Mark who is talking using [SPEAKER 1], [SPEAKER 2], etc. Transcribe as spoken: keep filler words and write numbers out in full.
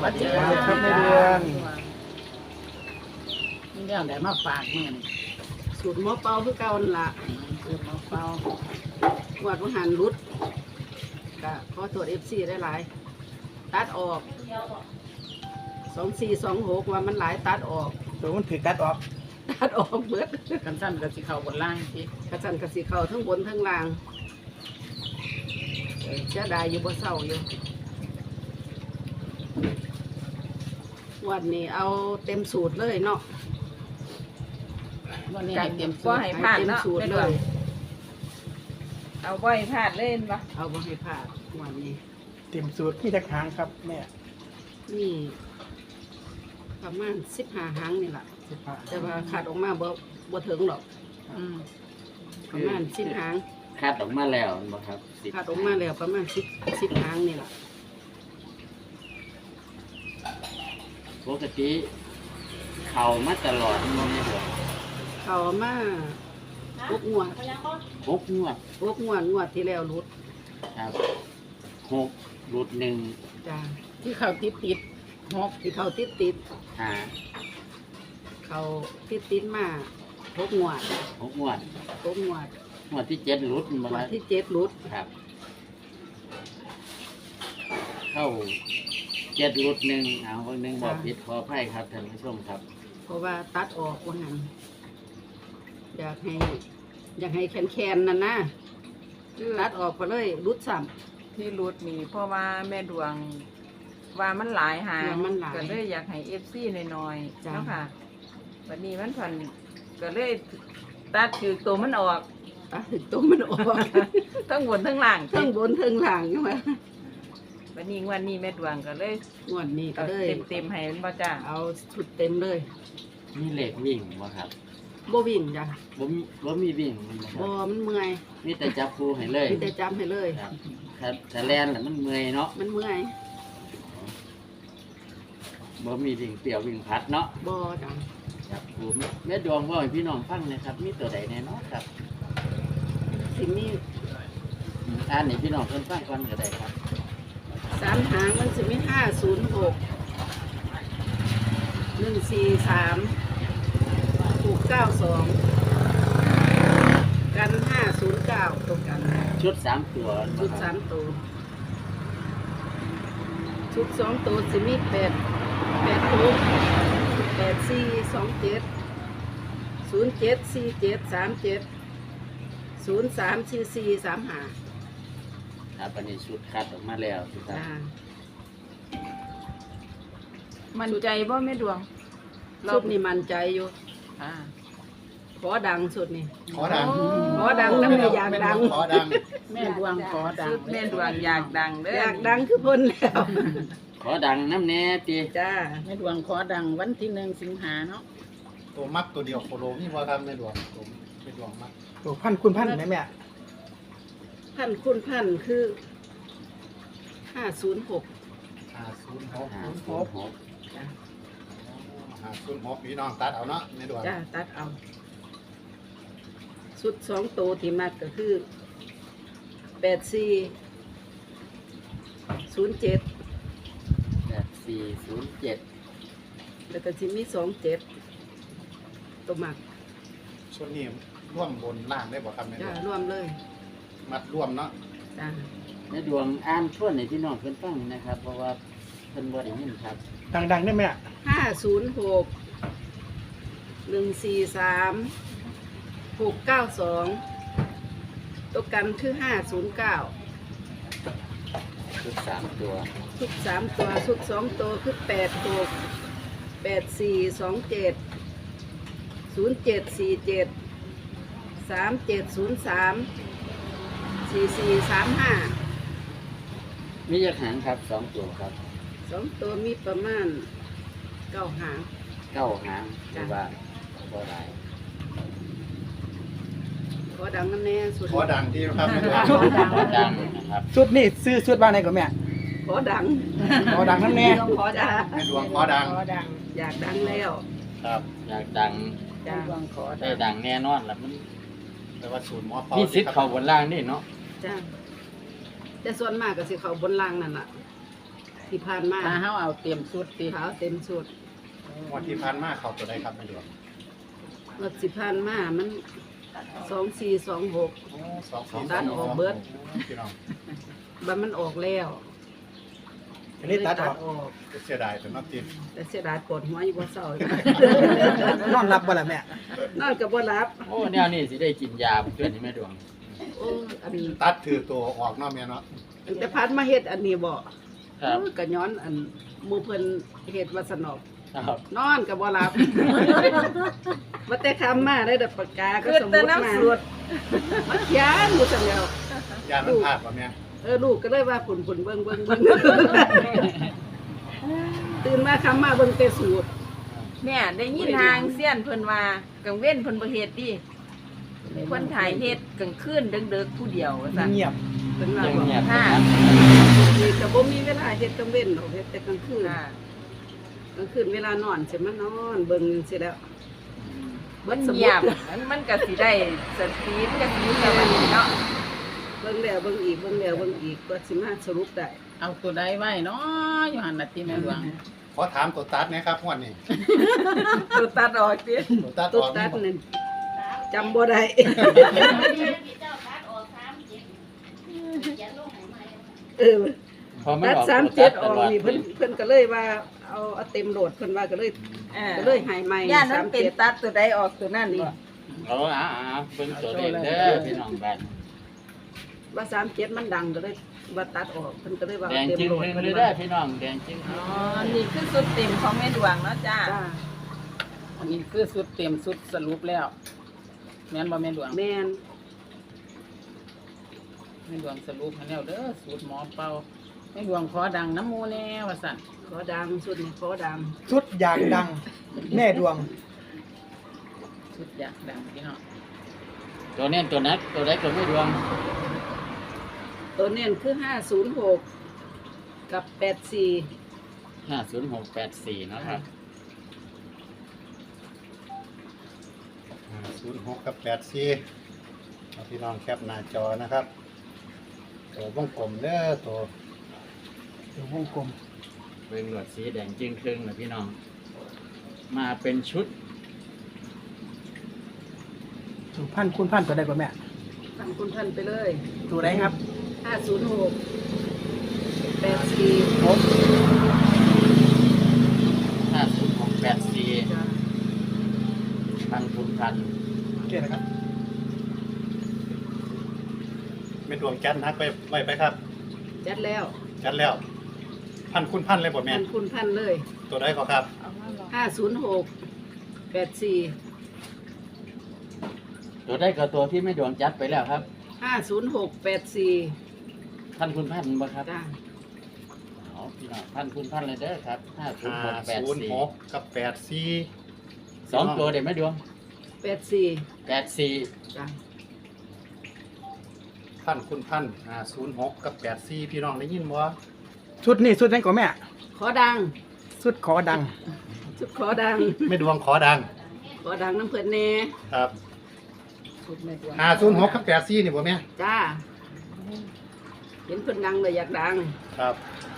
[SPEAKER 1] วัสดีครับแม่เดือนนี่เรื่องไหนมาฝากเมื่อนี่สูตรหม้อเป่าคือเก่าละสูตรหม้อเป่าวัดวังหันรุดก็ขอตรวจเอฟซีได้หลายตัดออกสองสี่สองหกว่ามันหลายตัดออกตัวมันถือตัดออกตัดออกเบิดกันสั้นกับสีเข่าบนล่างสิกันสั้นกับสีเข่าทั้งบนทั้งล่างเสียดายอยู่บ่เศร้าอยู่วันนี้เอาเต็มสูตรเลยเนาะวันนี้เต็มสูตรให้พลาดเนาะไม่ด้วยเอาบ่ให้พลาดเล่นปะเอาบ่ให้พลาดวันนี้เต็มสูตรที่จะค้างครับแม่นี่ประมาณสิบห้าหางนี่แหละแต่ว่าขาดออกมาบ่บ่ถึงหรอกประมาณสิบหาง
[SPEAKER 2] ขาดออกมาแล้วบ่ครับ
[SPEAKER 1] ขาดออกมาแล้วประมาณสิบสิบหางนี่แหละ
[SPEAKER 2] ปกติเข่ามาตลอดมันไม่หมด
[SPEAKER 1] เข่ามาหกงวด
[SPEAKER 2] หกงวด
[SPEAKER 1] หกงวดงวดที่แล้วรุด
[SPEAKER 2] ครับหกรุดหนึ่ง
[SPEAKER 1] จ้าที่เข่าติดติดหกที่เข่าติดติด
[SPEAKER 2] หา
[SPEAKER 1] เข่าติดติดมาหกงวด
[SPEAKER 2] หกงวด
[SPEAKER 1] หกงวด
[SPEAKER 2] งวดที่เจ็ดรุด
[SPEAKER 1] งวดที่เจ็ดรุด
[SPEAKER 2] ครับเข้าเจ็ดรุดหนึ่งเอาวันหนึ่งบอกผิดขออภัยครับท่านผู้ชมครับ
[SPEAKER 1] เพราะว่าตัดออกว่างั้นอยากให้อยากให้แคนแคนนั่นนะตัดออกไปเลยรุดซ้
[SPEAKER 3] ำที่รุดนี่เพราะว่าแม่ดวงว่ามันหลายหางก็เลยอยากให้เอฟซีน้อยๆเนาะค่ะวันนี้มันผ่อนก็เลยตัดคือตัวมันออก
[SPEAKER 1] ตัดคือตัวมันออก
[SPEAKER 3] ทั้งบนทั้งล่าง
[SPEAKER 1] ทั้งบนทั้งล่างใช่ไหม
[SPEAKER 3] วันนี้วันนี้แม่ดวงก็เลย
[SPEAKER 1] วันนี้ก็เลย
[SPEAKER 3] เต็มเต็มให้มันบ่จ้า
[SPEAKER 1] เอาชุดเต็มเลย
[SPEAKER 2] มีเหล็กวิ่งบ่ครับ
[SPEAKER 1] บ่วิ่งจ้ะ
[SPEAKER 2] บ่มีบ่มีวิ่ง
[SPEAKER 1] บ่มันเมื่อย
[SPEAKER 2] มีแต่จับคู่ให้เลย
[SPEAKER 1] มีแต่จับให้เลย
[SPEAKER 2] ครับถ้าแลนน่ะมันเมื่อยเนาะ
[SPEAKER 1] มันเมื่อย
[SPEAKER 2] บ่มีวิ่งเปรี้ยววิ่งพัดเนาะ
[SPEAKER 1] บ่จ้ะ
[SPEAKER 2] จับคู่แม่ดวงว่าให้พี่น้องฟังนะครับมีตัวใดแน่เนาะครับ
[SPEAKER 1] สิ่งนี้
[SPEAKER 2] อ่านให้พี่น้องเพิ่นฟังก่อนก็ได้ครับ
[SPEAKER 1] สามหางมันจะมีห้าศูนย์หกหนึ่งสี่สามหกเก้าสองกันห้าศูนย์เก้าตรงกัน
[SPEAKER 2] ชุดสามตัว
[SPEAKER 1] ชุดสามตัวชุดสองตัวจะมีแปดแปดหกแปดสี่สองเจ็ดศูนย์เจ็ดสี่เจ็ดสามเจ็ดศูนย์สามสี่สี่สามห้า
[SPEAKER 2] ครับอันนี้ชุดคัดออกมาแล้วครับ
[SPEAKER 3] มันใจบ่แม่ดวง
[SPEAKER 1] ชุดนี้มันใจอยู่ขอดังสุดนี่
[SPEAKER 4] ขอดัง
[SPEAKER 1] ขอดังน้ำแม่อยากดัง
[SPEAKER 4] ขอดัง
[SPEAKER 1] แม่ดวงขอดัง
[SPEAKER 3] แม่ดวงอยากดังเด้อ
[SPEAKER 1] อยากดังคือพ้นแล้ว
[SPEAKER 2] ขอดังน้ำแน่ตี
[SPEAKER 1] จ้าแม่ดวงขอดังวันที่หนึ่งสิงหาเนาะ
[SPEAKER 4] ตัวมักตัวเดียวโคโลนี่ว่าครับแม่ดวงตัวแม่ดวงมัก
[SPEAKER 1] ตัวพันคุณพันไหมแม่พันคุณพันคือห้าศูนย์หก
[SPEAKER 4] ห้าศูนย์หก
[SPEAKER 2] ห้าศูนย์หก
[SPEAKER 4] ห้าศูนย์หกพี่น้องตัดเอาเนาะแม่ดวง
[SPEAKER 1] จ้าตัดเอาสุดสองตัวที่มักก็คือแปดสี่ศูนย์เจ็ด
[SPEAKER 2] แปดสี่ศูนย์เจ็ด
[SPEAKER 1] แล้วก็จะมีสองเจ็ดตัวมัก
[SPEAKER 4] ส่วนนี้ร่วมบนล่างได้บ่ครับแม่ดวง
[SPEAKER 1] ร่วมเลย
[SPEAKER 4] มัดร่วมเนาะ
[SPEAKER 1] จ้า
[SPEAKER 2] แม่ดวงอ่านช่วยในพี่น้องเพิ่นฟังนะครับเพราะว่าเพิ่นบ่ได้ยินครับ
[SPEAKER 1] ดังๆได้ไหมอ่ะห้าศูนย์หกหนึ่งสี่สามหกเก้าสองตัวกันคือห้าศูนย์เก้า
[SPEAKER 2] ชุดสามตัว
[SPEAKER 1] ชุดสามตัวชุดสองตัวคือแปดหกแปดสี่สองเจ็ดศูนย์เจ็ดสี่เจ็ดสามเจ็ดศูนย์สามสี่สี่สามห้า
[SPEAKER 2] มีกี่หางครับสองตัวครับ
[SPEAKER 1] สองตัวมีประมาณเก้าหาง
[SPEAKER 2] เก้าหางหรือว่าบ่ได้
[SPEAKER 1] ขอดังน้ำแน่สุด
[SPEAKER 4] ขอดังที่ครับแม่ดวง
[SPEAKER 2] ขอดังนะครับ
[SPEAKER 1] ชุดนี่ซื้อชุดบ้านไหนก่อนแม่ขอดังขอดังน้ำแน่ขอดัง
[SPEAKER 4] แม่ดวงขอดัง
[SPEAKER 1] อยากดังแล้ว
[SPEAKER 2] ครับอยากดัง
[SPEAKER 1] จ้าขอ
[SPEAKER 2] ได้ดังแน่นอนแล้วมัน
[SPEAKER 4] แต่ว่าศูนย์หมอเป่า
[SPEAKER 2] มีสิทธิ์เข้าบนล่างนี่เนาะ
[SPEAKER 1] จ้าแต่ส่วนมากก็สิเข้าบนล่างนั่นแหละทที่ผ่านมา
[SPEAKER 5] ถ้าเฮาเอาเตรียมสุดติ
[SPEAKER 1] ขาวเต็มสุด
[SPEAKER 4] งวดที่ผ่านมาเขาตัวใดครับแม่ดวง
[SPEAKER 1] งวดสิผ่านมามันสองสี่สองหก
[SPEAKER 4] โอ้สองสี่
[SPEAKER 1] ตัดออกเบิด
[SPEAKER 4] พี่น้อง
[SPEAKER 1] บัดมันออกแล้ว
[SPEAKER 6] อันนี้ตัดออก
[SPEAKER 1] ออก
[SPEAKER 4] เสียดายแต่นับที
[SPEAKER 1] แต่เสียดายปวดหัวอยู่บ่เศร้า
[SPEAKER 6] นอนรับบ่ล่ะแม่
[SPEAKER 1] นอนก็บ่หลับ
[SPEAKER 2] โอ้แนวนี้สิได้กินยาเพื่อนนี่แม่ดวง
[SPEAKER 1] โอ้อันนี้
[SPEAKER 4] ตัดถือตัวออกเนาะแม่เนาะ
[SPEAKER 1] ตั้งแต่พัดมาเฮ็ดอันนี้บ่
[SPEAKER 2] ครับ
[SPEAKER 1] เออก็ย้อนอันหมู่เพิ่นเฮ็ดว่าสนอก
[SPEAKER 2] ครับ
[SPEAKER 1] นอนก็บ่หลับ ว่าแต่คำมาได้แต่ปากกาก็
[SPEAKER 3] คือ
[SPEAKER 1] สมมุ
[SPEAKER 3] แต่
[SPEAKER 1] ติมา
[SPEAKER 3] น้ำสูตร
[SPEAKER 1] มาเขียนอยู่ซั่นแล้ว
[SPEAKER 4] ยามันพลาดป่ะแม่
[SPEAKER 1] เออลูกก็เลยว่าฝุ่นฝุ่นเบิ่งเบิ่งเบิ่ง ตื่นมาคำมาเบิ่งแต่สูตร
[SPEAKER 3] แม่ได้ยินทางเสี้ยนเพิ่นว่ากังเว้นเพิ่นบ่เฮ็ดดิเพิ่นถ่ายเฮ็ดกลางคืนดึกๆผู้เดียวว่าซั่น
[SPEAKER 6] เงียบ
[SPEAKER 1] เป็นว่า
[SPEAKER 2] ยัง
[SPEAKER 1] บอก
[SPEAKER 2] เงียบ
[SPEAKER 3] ค่ะ
[SPEAKER 1] นี่ก็บ่มีเวลาเฮ็ดกลางเว้นหรอกเฮ็ดแต่กลางคืน
[SPEAKER 3] ค่ะ
[SPEAKER 1] กลางคืนเวลานอนสิมานอนเบิ่งสิแล้ว
[SPEAKER 3] มั
[SPEAKER 1] เบิ่
[SPEAKER 3] น
[SPEAKER 1] งสมุ
[SPEAKER 3] เงียบ
[SPEAKER 1] ด
[SPEAKER 3] มันมันก็สิได้สติมันก็สิมีสมาธิเนาะ
[SPEAKER 1] เบิ่งแล้วเบิ่งอีกเบิ่งแล้วเบิ่งอีกก็สิมาสรุปได้
[SPEAKER 5] เอาตัวใดไว้เนาะอยู่หั่นน่ะติแม่หลวง
[SPEAKER 4] ขอถามตัวตัดนะครับงวดนี้
[SPEAKER 3] ตัวตัดออกติ
[SPEAKER 4] ตัวตัด
[SPEAKER 1] ตุ๊
[SPEAKER 4] อ
[SPEAKER 1] ด
[SPEAKER 4] อก
[SPEAKER 1] ตั
[SPEAKER 4] นี่
[SPEAKER 1] ด
[SPEAKER 4] บ่
[SPEAKER 1] นั่นจำบ่ได้ เออ
[SPEAKER 2] พอมัน
[SPEAKER 1] ตัด
[SPEAKER 2] ออก
[SPEAKER 1] สาม
[SPEAKER 2] ตัว
[SPEAKER 1] เจ็ด
[SPEAKER 2] ตั
[SPEAKER 1] ออก
[SPEAKER 2] ตลด
[SPEAKER 1] นี่เพิ่นเพิ่นก็เลยว่าเอาเอาเต็มโหลดเพิ่นว่าก็เลย
[SPEAKER 3] เออ
[SPEAKER 1] ก็เลยใหายใหม่
[SPEAKER 3] ย่านนั้
[SPEAKER 1] สาน ม
[SPEAKER 3] เป็น
[SPEAKER 1] เจ็ด
[SPEAKER 3] ตัดตัวใดออกตัวนั้นนี่
[SPEAKER 2] เอาอ่าๆเบิ่งตัวเลขเด้อพี่น้องบ้าน
[SPEAKER 1] ว่าสามเจ็ดมันดังก็เลยว่าตัดออกเพิ่นก็เลยว่า
[SPEAKER 2] แด
[SPEAKER 1] เอา
[SPEAKER 2] ง
[SPEAKER 1] เต็ม
[SPEAKER 2] จึง
[SPEAKER 1] โหลด
[SPEAKER 2] เฮง
[SPEAKER 1] เพิ่น
[SPEAKER 2] เลย
[SPEAKER 1] ว่า
[SPEAKER 2] เด้อพี่น้องแดงจึง
[SPEAKER 3] อ๋อนี่คือสุดเต็มของแม่ดวงเนาะจ้า
[SPEAKER 1] จ้า
[SPEAKER 5] อันนี้คือสุดเตรียมสุดสรุปแล้ว แม่นบ่แม่หลวง
[SPEAKER 1] แม่น
[SPEAKER 5] แม่หลวงสรุปให้แล้วเด้อสูตรหมอเป่าแม่หลวงขอดังน้ำหมูแน่ว่าซั่น
[SPEAKER 1] ขอดังสุดนี่ขอดัง
[SPEAKER 6] สุดอยากดัง แม่ดวง
[SPEAKER 5] สุดอยากดังพี่น้อง
[SPEAKER 2] ตัวนี้ตัวนักตัวใดก็ไม่ดวง
[SPEAKER 1] ตัวเน้นคือห้าศูนย์หกกับแปดสี่
[SPEAKER 2] ห้าศูนย์หกแปดสี่นะครับ
[SPEAKER 4] ศูนย์หกกับแปดสี่เอาพี่น้องแคปหน้าจอนะครับตัววงกลมเด้อตัว
[SPEAKER 6] เดี๋ยววงกลม
[SPEAKER 2] เป็นหลวดสีแดงจึงครึ่งนะพี่น้อง มาเป็นชุด
[SPEAKER 6] สุพันคุณพันตัวใดกว่าแม่
[SPEAKER 1] ทำคุณท่านไปเลย
[SPEAKER 6] ตัวใดครับ
[SPEAKER 1] ห้าศูนย์หกแปดสี่
[SPEAKER 6] หก
[SPEAKER 2] ห้าศูนย์หกแปดสี่
[SPEAKER 1] จ้า
[SPEAKER 2] พันทุนพัน
[SPEAKER 6] โอเคนะครับ
[SPEAKER 4] แม่ดวงจัดนักไปไว้ไปครับ
[SPEAKER 1] จัดแล้ว
[SPEAKER 4] จัดแล้ว พันคุณพันเลยบ่แม่
[SPEAKER 1] ท่านคุณท่านเลย
[SPEAKER 4] ตัวใดก็ครับ
[SPEAKER 1] ห้าศูนย์หกแปดสี่
[SPEAKER 2] ตัวได้ก็ตัวที่ไม่ดวงจัดไปแล้วครับ
[SPEAKER 1] ห้าศูนย์หกแปดสี่
[SPEAKER 2] พันคุณพันบ่ครับ
[SPEAKER 1] จ้า
[SPEAKER 2] เอาพี่น้องพันคุณพันเลยเด้อครับห้าศูนย์
[SPEAKER 4] ห้า
[SPEAKER 2] หกแปด
[SPEAKER 4] ศูนย์
[SPEAKER 2] สี่
[SPEAKER 4] หกกับแปดสี่
[SPEAKER 2] สองตัวเด็ไม่ดวง
[SPEAKER 1] แปดสี่
[SPEAKER 2] แปดสี่
[SPEAKER 1] จ้า
[SPEAKER 4] พันคุณพันห้าศูนย์หกกับแปดสี่พี่น้องได้ยินบ่
[SPEAKER 6] สุดนี่สุดนั้นกว่าแม่
[SPEAKER 1] ขอดัง
[SPEAKER 6] สุดขอดัง
[SPEAKER 1] สุดขอดัง
[SPEAKER 4] แม่ดวงขอดัง
[SPEAKER 1] ขอดังน้ำเพื่อนแน่
[SPEAKER 4] ครับ
[SPEAKER 5] สุดแม่หลวง
[SPEAKER 4] ห้าศูนย์หกกับแปดสี่นี่บ่แม่
[SPEAKER 1] จ้า เห็นเพื่อนดังเลยอยากดัง
[SPEAKER 4] ครับ
[SPEAKER 1] ห